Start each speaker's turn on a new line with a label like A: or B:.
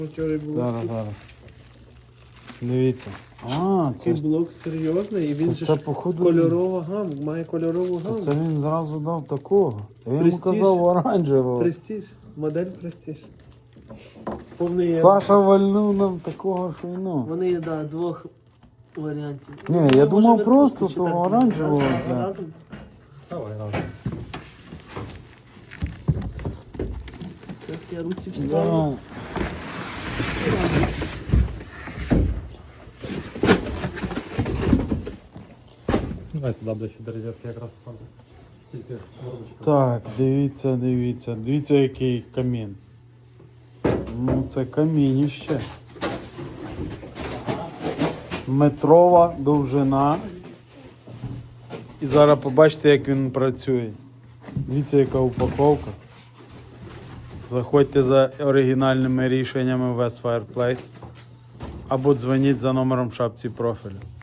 A: Вчора було.
B: Зараз. Дивіться. А, це
A: Цей
B: ж
A: блок серйозний, і він
B: то
A: же
B: це,
A: ж
B: походу,
A: кольорова гама, має кольорову
B: то
A: гаму.
B: це він зразу дав такого. Я йому
A: Престиж.
B: казав оранжевого.
A: Престиж, модель Престиж. Повний є.
B: Саша вальнув нам такого, що й ну.
A: Вони є, да, двох варіантів.
B: Ні, я
A: Може,
B: думав
A: не
B: просто
A: чи
B: того
A: так,
B: оранжевого
A: разом?
B: взяти.
A: Разом?
C: Давай, разом.
A: Зараз я руці вставлю.
B: Да.
C: Давай туди ближче до розетки якраз фази. Тільки мордочку.
B: Так, дивіться, який камін. Ну, це камініще. Метрова довжина. І зараз побачите, як він працює. Дивіться, яка упаковка. Заходьте за оригінальними рішеннями в West Fireplace або дзвоніть за номером в шапці профілю.